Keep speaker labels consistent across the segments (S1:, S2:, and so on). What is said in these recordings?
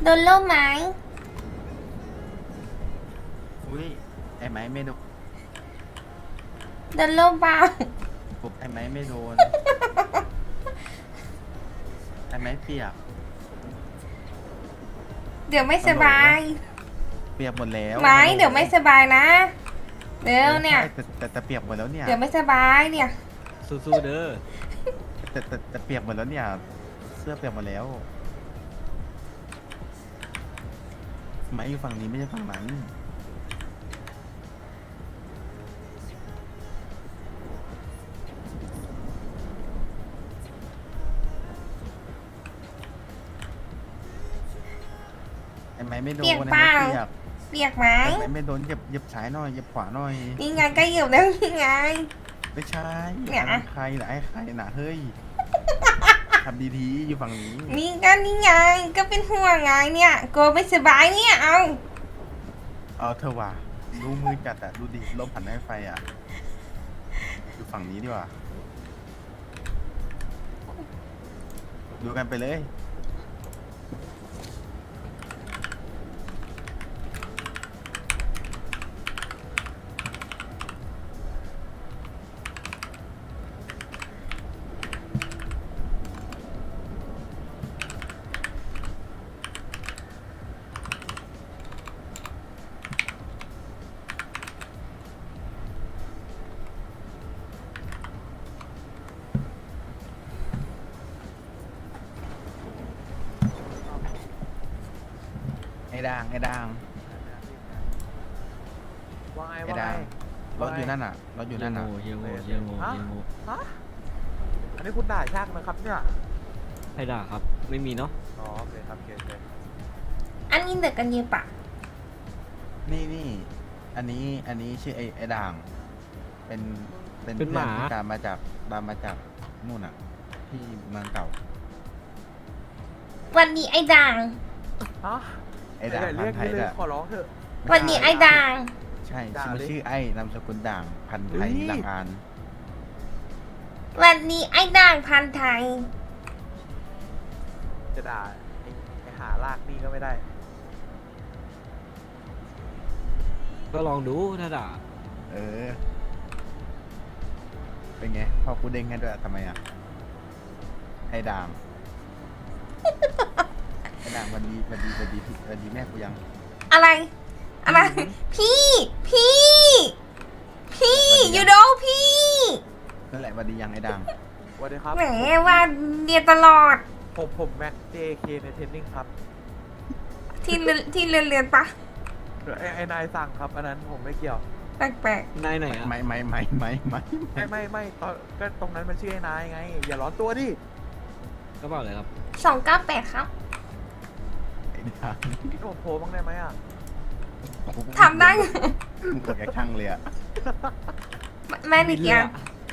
S1: โดนล่มไหม
S2: อุ้ยไอ้ไม้ไม่โดน
S1: โดนล่มเปล่า
S2: ผมไอ้ไม้ไม่โดน ไอ้ไม้เปียก
S1: เดี๋ยวไม่สบาย
S2: เปียกหมดแล้ว
S1: ไหมเดี๋ยวไม่สบายนะเดี๋ยวเนี่ย
S2: ใช่แต่เปียกหมดแล้วเนี่ย
S1: เดี๋ยวไม่สบายเนี่ย
S3: สู้ๆเด้อ
S2: แต่เปียกหมดแล้วเนี่ย เสื้อเปียกหมดแล้วไม้อยู่ฝั่งนี้ไม่ใช่ฝั่งนั้นไอ้ไม้ไม่โดน
S1: เปียก
S2: ไอ้
S1: เปล่า
S2: ไม้เปียก
S1: เปียกไหม
S2: ไอ้ไม้ไม่โดนเหยียบซ้ายหน่อยเหยียบขวาหน่อย
S1: นี่ไงก็เหยียบแล้วนี่ไง
S2: ไม่ใช่
S1: เนี่ย
S2: อันนั้นใครนะไอ้ใครนะเฮ้ย ทำดีๆอยู่ฝั่งนี้
S1: นี่ก็นี่ไงก็เป็นห่วงไงเนี่ยกลัวไม่สบายเนี่ยเอา
S2: เอาเธอว่ะดูมือจัดอะดูดิลมผ่านไฟอะอยู่ฝั่งนี้ดีกว่าดูกันไปเลยไอ้ด่างไอ้ด่าง
S4: ว่าไง
S2: ไอ้
S4: ว่าไง
S2: ด่างรถอยู่นั่นอะรถอยู่นั่นอะ
S3: เฮียโง่เฮียโง่เฮียโง่
S4: ฮะอันนี้คุณด่าช่างนะครับเนี่ย
S3: ให้ด่าครับ ไม่มีเนาะ
S4: อ๋อโอเคครับโอเคโอเค
S1: อันนี้เด็กกันเยอะปะ
S2: นี่อันนี้ชื่อไอ้ด่าง เป็น
S3: เป็นหมา
S2: พื่อนที่ตามมาจากนู่นอะที่เมืองเก่า
S1: วันนี้ไอ้ด่าง
S4: ฮะ
S2: ไอ้ด่าง
S4: เรี
S2: พั
S4: ย
S2: น
S4: ก
S2: ธุ์ไท
S4: นี่
S2: ย
S4: เลย
S2: อะ
S4: ขอร้องเถอะ
S1: วันนี้ไอ้ด่าง
S2: ใช่
S4: ด่า
S2: ชื่อ
S4: ดิ
S2: ชื่อไอ้นามสกุลด่างพันธุ์ไทย
S4: เฮ้ย
S2: ลังอาน
S1: วันนี้ไอ้ด่างพันธุ์ไทย
S4: จะด่าไอ้หาลากนี่ก็ไม่ได้
S3: ก็ลองดูถ้าด่า
S2: เออ เป็นไงพอกูเด้งให้ด้วยทำไมอ่ะ ไอ้ด่าง ไอ้ด่างวันดีแม่กูยัง
S1: อะไรอะไรพี่ยูโดพี่
S2: นั่นแหละวันดียังไอ้ด่าง
S4: สวัสดีครับ
S1: แหมว่าเรียนตลอด
S4: ผมแม็ก JK ในเทรนนิ่งครับ
S1: ที่เรียนปะ
S4: ไอ้นายสั่งครับ อันนั้นผมไม่เกี่ยว
S1: แปลก
S3: นายไหนอ่ะ
S4: ไม่ตอนก็ตรงนั้นมันชื่อไอ้นายไง อย่าร้อนตัวดิ
S3: ก็บอกเลยครับ
S1: 298ครับ
S2: ไอ้ด่าง
S4: พี่ผมโพสบ้างได้ไหมอ่ะ
S1: ทำได้
S2: มึงกดกระช่างเลยอ่ะ
S1: แม่นิดยัง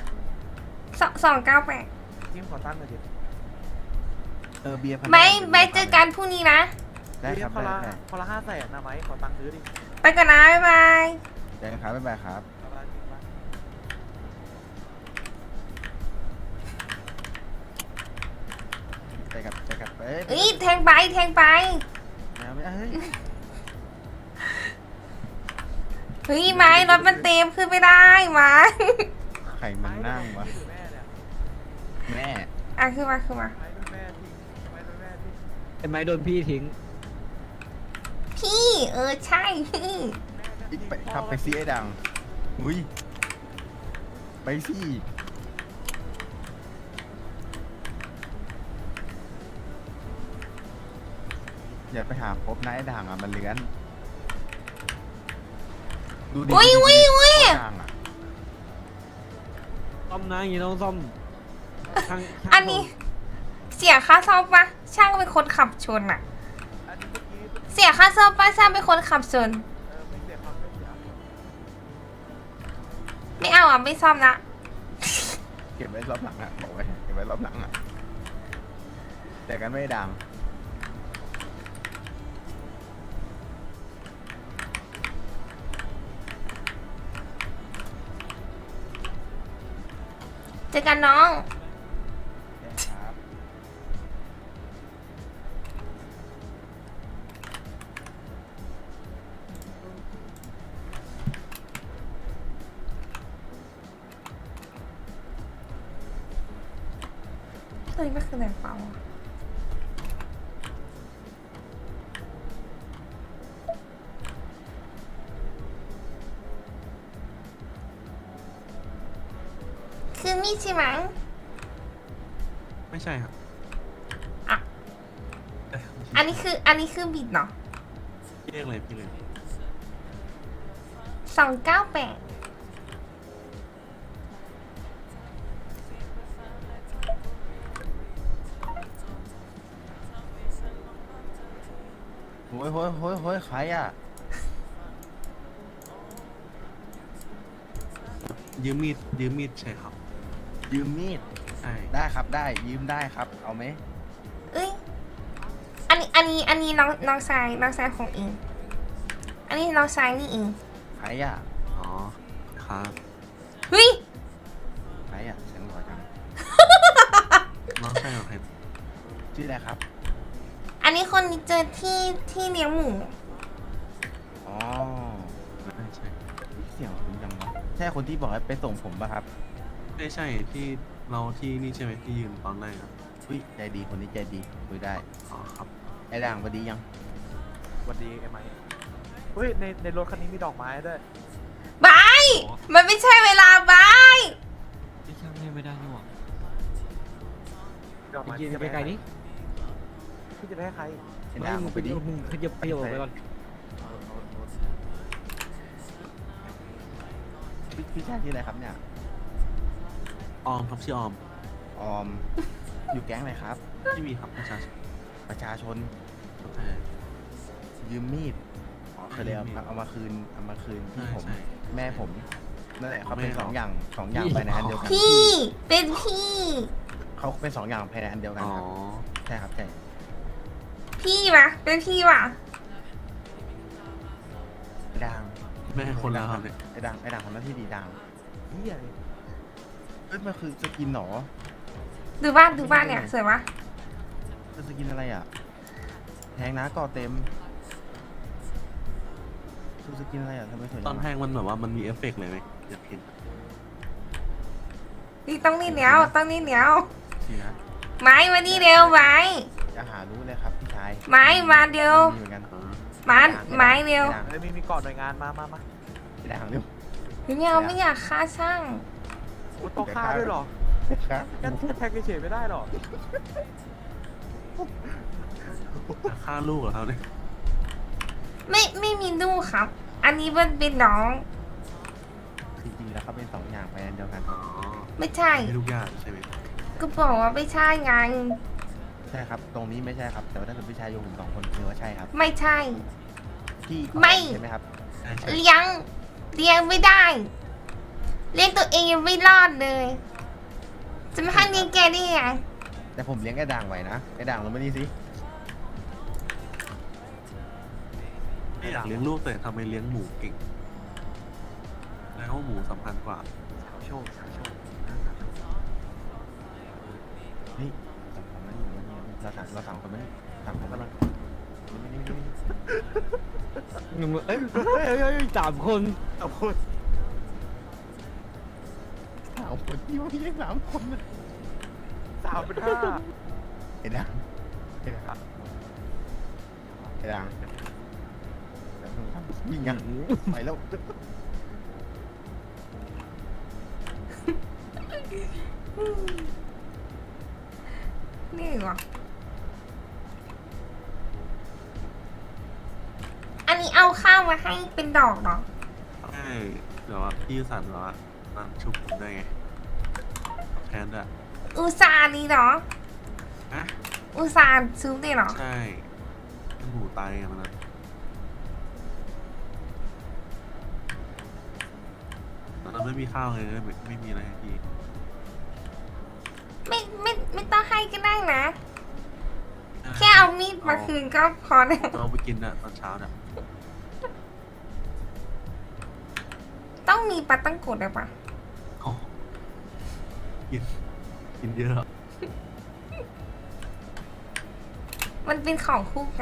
S1: 298
S4: จิ้มขอตั้งหน่อยดิ
S2: เออเบียร์พัน
S1: ไม่เจอกันพรุ่งนี้นะ
S2: ได้ครับ
S4: คนละ
S2: ได้
S4: คนละ500,000นะไหมขอตังค์ซื้อดิ
S1: ไปก่อนนะ บ๊ายบาย
S2: ได้ครับบ๊ายบายครับ
S4: เอาละจริงปะ
S2: ไปกับเอ้ย
S1: เอ้ยแทงไป
S2: ไม่เอาเฮ้ย
S1: เฮ้ยไม้รถมันเต็มขึ้นไม่ได้ไม้
S2: ใครมันนั่งวะ
S4: ไม่ดูแม่เนี่ย
S2: แม่
S1: อ่ะขึ้นมา
S4: ไม่ดูแม่ทิ้งไม่ดูแม่ทิ้ง
S3: ไอ้ไม้โดนพี่ทิ้ง
S1: พี่ใช่พี่
S2: อีกไปขับไปซีไอ้ดังอุ้ยไปสิอย่าไปหาพบนะไอ้ด่างอ่ะมันเลื้อนดูดิ
S1: อุ้ย
S2: ดูดิ ด่างอ่ะ
S3: ซ่อมนะอย่างนี้ต้องซ่อมช่าง
S1: อันนี้เสียค่าซ่อมปะช่างเป็นคนขับชนอะ
S4: อันนี้เมื่อกี้
S1: เสียค่าซ่อมปะช่างเป็นคนขับชน
S4: ไม่เสียครับไม่เสีย
S1: ไม่เอาอ่ะไม่ซ่อมละ
S2: เก็บไว้รอบหลังอ่ะบอกไว้เก็บไว้รอบหลังอ่ะแต่กันไม่ดัง
S1: เจอกันน้อง
S2: ครับ
S1: ตัวนี้มันคืออะไรเปล่าอะคือมีดใช่ไหม
S5: ไม่ใช่ครับ
S1: อ่ะ
S5: เย
S1: อันนี้คือบิดเนาะ
S5: พี่เรียกอะไรพี่เลย
S1: 298
S2: โอ้ยโอ้ยโอ้ยโอ้ยใครอ่ะ
S5: ยืมมีดใช่ครับ
S2: ยืมมีด
S5: ใช่
S2: ได้ครับได้ยืมได้ครับ เอาไหม
S1: เอ้ย อันนี้น้องชายของเอง อันนี้น้องชายนี่เอง
S2: ใครอ่ะ
S5: อ๋อครับ
S1: เฮ้ย
S2: ใครอ่ะเสียงหล่อจัง
S5: น้องใช่เหรอครับ
S2: ชื่ออะไรครับ
S1: อันนี้คนนี้เจอที่เลี้ยงหมู
S2: อ๋อ
S5: ไม่ใช่
S2: เสียงคุณยังวะใช่คนที่บอกให้ไปส่งผมป่ะครับ
S5: ไม่ใช่ที่เราที่นี่ใช่ไหมที่ยืนตอนแรกครับ
S2: อุ้ยใจดีคนนี้ใจดีคุยได้
S5: อ๋อครับ
S2: ไอ้ด่างพอดียัง
S4: สวัสดีไอ้ไม้เฮ้ยในรถคันนี้มีดอกไม้ด้วย
S1: บาย มันไม่ใช่เวลาบาย
S3: ที่ช่างไม่ได้นี่หว่า
S4: ดอก
S3: ไป
S4: ไม้
S3: ยืนไปไกลนี่
S4: พี่จะไปให้ใคร
S2: ไอ้ด่าง
S3: มึง
S2: ไปดิ
S3: มึงขยับไปก่อน
S2: พี่ชายชื่ออะไรครับเนี่ย
S5: ออมครับชื่อออม
S2: ออม อยู่แก๊งอะไรครับ
S5: ที่มีครับประชาชน
S2: ประชาชน
S5: ใช่
S2: ยืมมีดอ๋อเคยเลยเอามาคืนพี่ผม
S5: ใช่
S2: แม่ผมนั่นแหละเขาเป็น
S5: แม่
S2: สองอย่างภายในอันเดียวกัน
S1: พี่ เป็นพี่
S2: เขาเป็นสองอย่างภายในอันเดียวกัน
S5: อ๋อ
S2: ครับใช่ครับใช่
S1: พี่วะเป็นพี่วะ
S2: ไอ้ด่าง
S5: แม่คนแล้วครับเนี่ย
S2: ไอ้ด่างทำหน้าที่ดีด่าง
S4: เฮียเลย
S2: เอ้ยมันคือสกินเหรอ
S1: ดูบ้านเนี่ยสวยวะ
S2: คือสกินอะไรอ่ะแทงนะก่อเต็มคือสกินอะไรอ่ะทำไมสวย
S5: ต
S2: จั
S5: อน
S2: ง
S5: แทงมันแบบว่ามันมีเอฟเฟกต์เลยไหมอยากเห็น
S1: นี่ต้องนี่เหนียวต้องนี่เหนียว
S2: สินะ
S1: ไม้มานี่เร็วไม้
S2: จะหารู้เลยครับพี่ชาย
S1: ไม้มาเร็ว
S2: มีเหมือนกัน
S5: อ๋อ
S1: ไม้เร็ว
S2: ไอ้ด่าง
S4: เฮ้ยมีก่อนหน่วยงานมา
S2: ไอ้ด่างเร็ว
S1: ไม่เอาไม่อยากฆ่าช่าง
S4: โอ้ต้องฆ่าด้วยเหรอ
S2: ครับ
S4: แค่แทงเฉยๆไม่ได้หรอ
S5: จะฆ่าลูกเหรอครับเนี่ย
S1: ไม่มีลูกครับ อันนี้มันเป็นน้อง
S2: จริงๆแล้วเขาเป็นสองอย่างภายในอันเดียวกัน
S5: อ๋อ
S1: ไม่ใช่
S5: มีทุกอย่างใช่ไหม
S1: ก็บอกว่าไม่ใช่ไง
S2: ใช่ครับ ตรงนี้ไม่ใช่ครับ แต่ว่าถ้าเกิดพี่ชายอยู่ผมสองคนคือว่าใช่ครับ
S1: ไม่ใช่
S2: พี่
S1: ไม่
S2: ใช่ไหมครับ
S5: ใช่ใช่
S1: เลี้ยงไม่ได้ เลี้ยงตัวเองยังไม่รอดเลย จะไม่ให้เลี้ยงแกได้ไง
S2: แต่ผมเลี้ยงไอ้ด่างไว้นะไอ้ด่างลงมานี่สิ
S5: ไม่อยากเลี้ยงลูกแต่ทำไมเลี้ยงหมูเก่งแล้วาหมูสำคัญกว่า
S4: สาวโชว์
S2: เฮ้ยสองคนมานี่เราสามคนมานี่สามคนมานี่นี่
S3: เอ้ยสามคน
S4: เอาพูด
S2: สามคนที่ว่าพี่เลี้ยงสามคนนะ
S4: สาวเป็นห้า
S2: ไอ้ด่างไอ้ด่างไอ้ด่างวิ่งยังไปแล้ว
S1: นี่เหรอ อันนี้เอาข้าวมาให้เป็นดอกเหรอ
S5: ใช่เดี๋ยวว่าพี่สันแบบว่านั่นชุบผมได้ไงแทนด้วย
S1: อุตส่าห์นี่เหรอ
S5: อะ
S1: อุตส่าห์ซื้อได้เหรอ
S5: ใช่หมูตายไงมันนะตอนนั้นไม่มีข้าวเลยไม่มีอะไรให้พี่
S1: ไม่ต้องให้ก็ได้นะ แค่เอามีดมาคืนก็พอแล้ว
S5: จะเอาไปกินอะตอนเช้าเนี่ย
S1: ต้องมีปลาตั้งโกดเลยปะ
S5: โอ้กินเยอะ
S1: มันเป็นของคู่กัน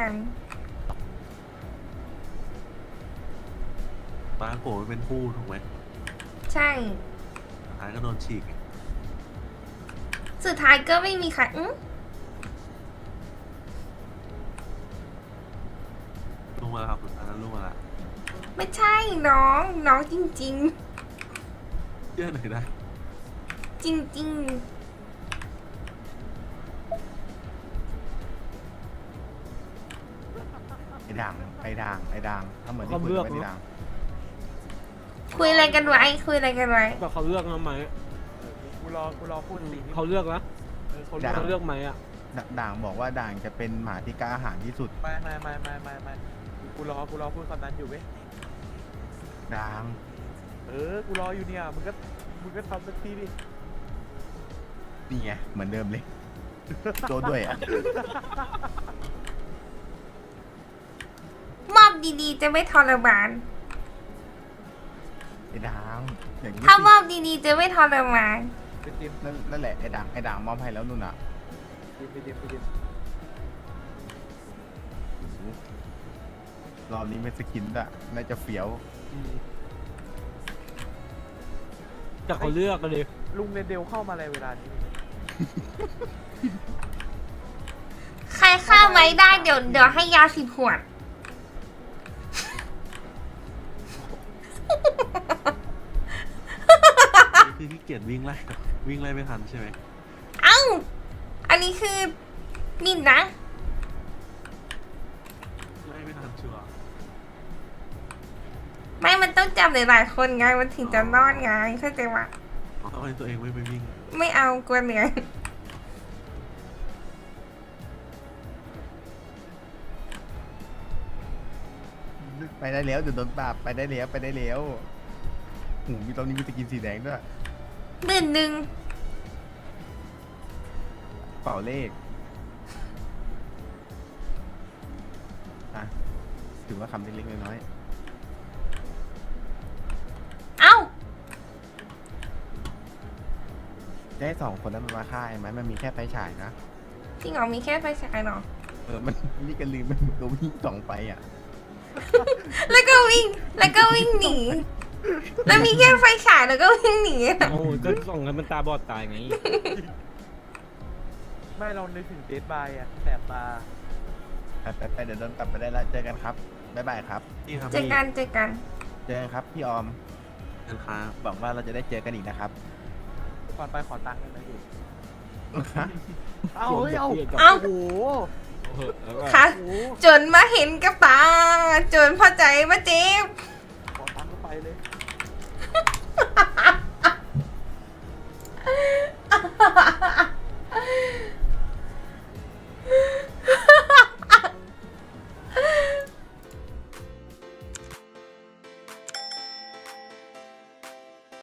S5: ปลาโกะมันเป็นคู่ถูกไหม
S1: ใช่
S5: สุดท้ายก็โดนฉีกไง
S1: สุดท้ายก็ไม่มีใคร
S5: ลุงมาแล้วครับอันนั้นลุงมาแล้ว
S1: ไม่ใช่น้องน้องจริง
S5: เชื่อหน่อยได้
S1: ๆ จริง
S2: ไอ้ด่างไอ้ด่างไอ้ด่างถ้าเหมือนที่คุยกันไว้ที่ด่าง
S1: ๆ คุยอะไรกันไว้คุยอะไรกันไว้
S3: แบบเขาเลือกนะไหม
S4: กูรอพูดสิ่งที่
S3: เขาเลือกนะ
S4: เขา
S3: เขาเลือกไหมอ่ะ
S2: ด่างบอกว่าด่างจะเป็นหมาที่กล้าหาญที่สุด
S4: ไม่กูรอพูดคำนั้นอยู่เว้ย
S2: ด่าง
S4: กูรออยู่เนี่ยมึงก็ทำสักทีดิ
S2: นี่ไงเหมือนเดิมเลยโดนด้วยอ่ะ
S1: มอบดีๆ จะไม่ทรมาน
S2: ไอ้ด่างอย่างนี้
S1: ถ้ามอบดีๆ จะไม่ทรมาน
S4: ไปจิม
S2: นั่นแหละไอ้ด่างมอบให้แล้วนู่นอ่ะ
S4: ไปจิม
S2: รอบนี้ไม่สกินอ่ะน่าจะเฟี้ยว
S3: แต่เขาเลือกกันเลย
S4: ลุงเรนเดลเข้ามาอะไรเวลานี้
S1: ใครฆ่าไว้ได้เดี๋ยวให้ยา10 ขวด
S5: คือขี้เกียจวิ่งไล่ไม่ทันใช่ไหม
S1: เอ้า อันนี้คือมินนะ
S5: ไล่ไม่ทันชัวร์
S1: ไม่มันต้องจับหลายๆคนไง มันถึงจะรอดไงเข้าใจปะ
S5: ทำไมตัวเองไม่ไปวิ่ง
S1: ไม่เอากลัวเหนื่อย
S2: ไปได้แล้วเดี๋ยวโดนปราบไปได้แล้วหูมีตอนนี้มีสกินสีแดงด้วย
S1: 1,000,000
S2: เป่าเลขอ่ะถือว่าคำเล็กๆน้อย
S1: เอ้า
S2: ๆได้2 คนนั้นมันมาฆ่าไหมมันมีแค่ไฟฉายนะ
S1: จริงเหรอมีแค่ไฟฉายเหรอ
S2: มันนี่กันลืมมันตัววิ่ง2ไฟอ่ะ
S1: แล้วก็วิ่งหนี แล้วมีแค่ไฟฉายแล้วก็วิ่งหนี
S3: โอ้ก็ส่งกันมันตาบอดตายไง
S4: ไม่เรานึกถึงเดดบายอะแสบตา
S2: ไปเดี๋ยวโดนกลับไปได้แล้วเจอกันครับบ๊ายบายครับ
S5: นี่ครับ
S1: เจอกัน
S2: เจอกันครับพี่ออม
S5: กันครับ
S2: หวังว่าเราจะได้เจอกันอีกนะครับ
S4: ก่อนไปขอตังค์กันนะอยู่
S2: ฮะ
S4: เอาเฮ้ยเอา
S1: เอ้า
S4: โอ้โห
S1: ค่ะ
S4: โอ้โห
S1: จนมาเห็นกับตา จนพอใจมาเจ็บ
S4: ขอตังค์ก็ไปเลย